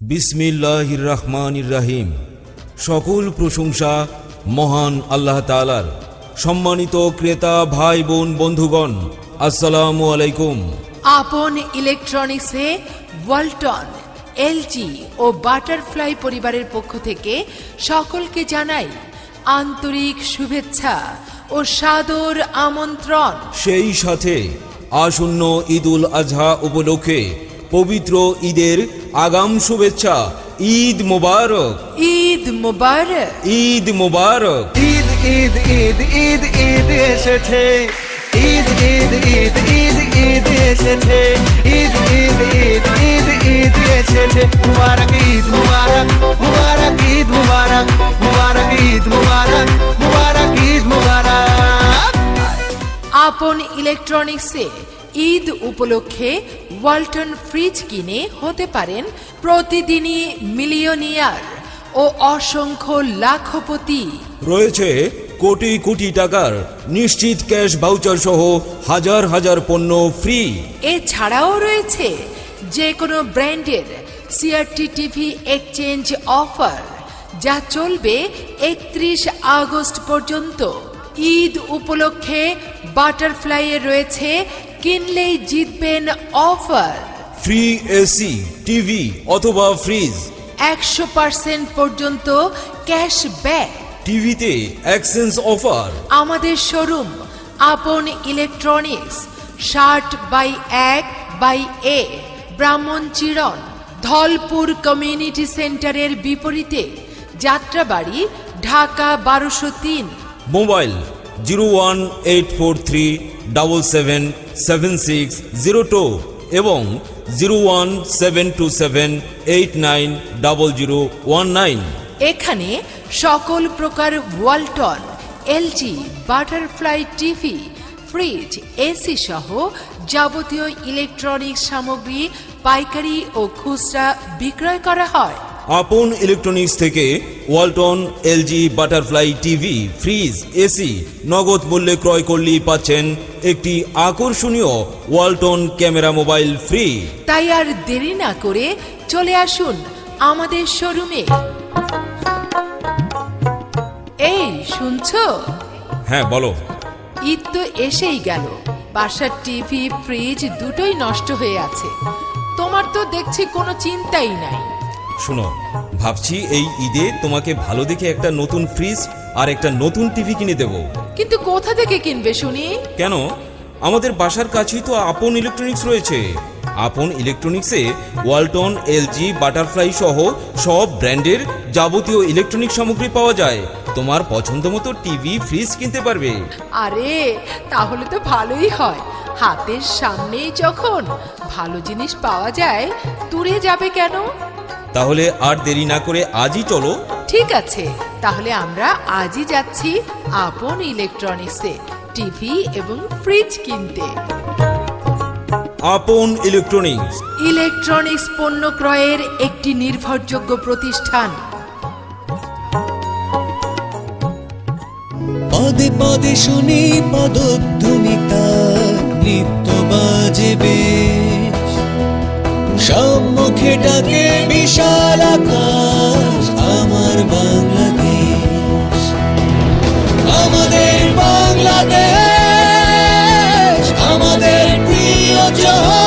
বিসমিল্লাহির রহমানির রহিম। সকল প্রশংসা মহান আল্লাহ তাআলার। সম্মানিত ক্রেতা ভাই বোন বন্ধুগণ, আসসালামু আলাইকুম। আপন ইলেকট্রনিক্সে ওয়ালটন, এলজি ও বাটারফ্লাই পরিবারের পক্ষ থেকে সকলকে জানাই আন্তরিক শুভেচ্ছা ও সাদর আমন্ত্রণ। সেই সাথে আসন্ন ঈদুল আজহা উপলক্ষে পবিত্র ঈদের আগাম শুভেচ্ছা। ঈদ মোবারক, ঈদ মোবারক, ঈদ মোবারক। ঈদ ঈদ ঈদ ঈদ ঈদ এসেছে, ঈদ ঈদ ঈদ ঈদ ঈদ এসেছে, ঈদ ঈদ ঈদ ঈদ ঈদ এসেছে। মুবারক ঈদ মুবারক, মুবারক ঈদ মুবারক, মুবারক ঈদ মুবারক, মুবারক ঈদ মুবারক। আপন ইলেকট্রনিক্সে ঈদ উপলক্ষে ওয়ালটন ফ্রিজ কিনে হতে পারেন প্রতিদিনই মিলিয়নিয়ার ও অসংখ্য লাখপতি। রয়েছে কোটি কোটি টাকার নিশ্চিত ক্যাশ ভাউচার সহ হাজার হাজার পণ্য ফ্রি। এছাড়াও রয়েছে যে কোনো ব্র্যান্ডের সিআরটি টিভি এক্সচেঞ্জ অফার, যা চলবে 31 আগস্ট পর্যন্ত। ঈদ উপলক্ষে বাটারফ্লাইয়ে রয়েছে কিনলেই জিতবেন অফার। ফ্রি এসি, টিভি অথবা ফ্রিজ, 100% পর্যন্ত ক্যাশব্যাক। টিভিতে এক্সচেঞ্জ অফার। আমাদের showroom Apon electronics 60/1/A Brahmanchiran, Dholpur community সেন্টারের বিপরীতে, যাত্রাবাড়ি, ঢাকা 1203। মোবাইল 01843777602 এবং 01727890019। এখানে সকল প্রকার Walton, LG, Butterfly TV, fridge, AC সহ যাবতীয় ইলেকট্রনিক্স সামগ্রী পাইকারি ও খুচরা বিক্রয় করা হয়। আপন ইলেকট্রনিক্স থেকে Walton, LG, Butterfly TV, fridge, AC নগদ মূল্যে ক্রয় করলেই পাচ্ছেন একটি আকর্ষণীয় ওয়ালটন ক্যামেরা মোবাইল ফ্রি। তাই আর দেরি না করে চলে আসুন আমাদের শোরুমে। এই শুনছো? হ্যাঁ বলো। ঈদ তো এসেই গেল, বাসার টিভি ফ্রিজ দুটোই নষ্ট হয়ে আছে। তোমার তো দেখছি কোনো চিন্তাই নাই। শোনো, ভাবছি এই ঈদে তোমাকে ভালো দেখে একটা নতুন ফ্রিজ আর একটা নতুন টিভি কিনে দেব। কিন্তু কোথা থেকে কিনবে শুনি? কেন, আমাদের বাসার কাছেই তো আপন ইলেকট্রনিক্স রয়েছে। আপন ইলেকট্রনিক্সে ওয়ালটন, এলজি, বাটারফ্লাই সহ সব ব্র্যান্ডের যাবতীয় ইলেকট্রনিক সামগ্রী পাওয়া যায়। তোমার পছন্দ মতো টিভি, ফ্রিজ কিনতে পারবে। আরে তাহলে তো ভালোই হয়, হাতের সামনেই যখন ভালো জিনিস পাওয়া যায়, দূরে যাবে কেন? তাহলে আর দেরি না করে আজই চলো। ঠিক আছে, তাহলে আমরা আজই যাচ্ছি আপন ইলেকট্রনিক্সে টিভি এবং ফ্রিজ কিনতে। আপন ইলেকট্রনিক্স, ইলেকট্রনিক্স পণ্য ক্রয়ের একটি নির্ভরযোগ্য প্রতিষ্ঠান। পদে পদে শুনি পদধ্বনিতা, নৃত্য বাজে বেশ, সম্মুখে ডাকে বিশাল আকাশ, আমার বাংলাদেশ, আমাদের বাংলাদেশ, আমাদের প্রিয় জয়।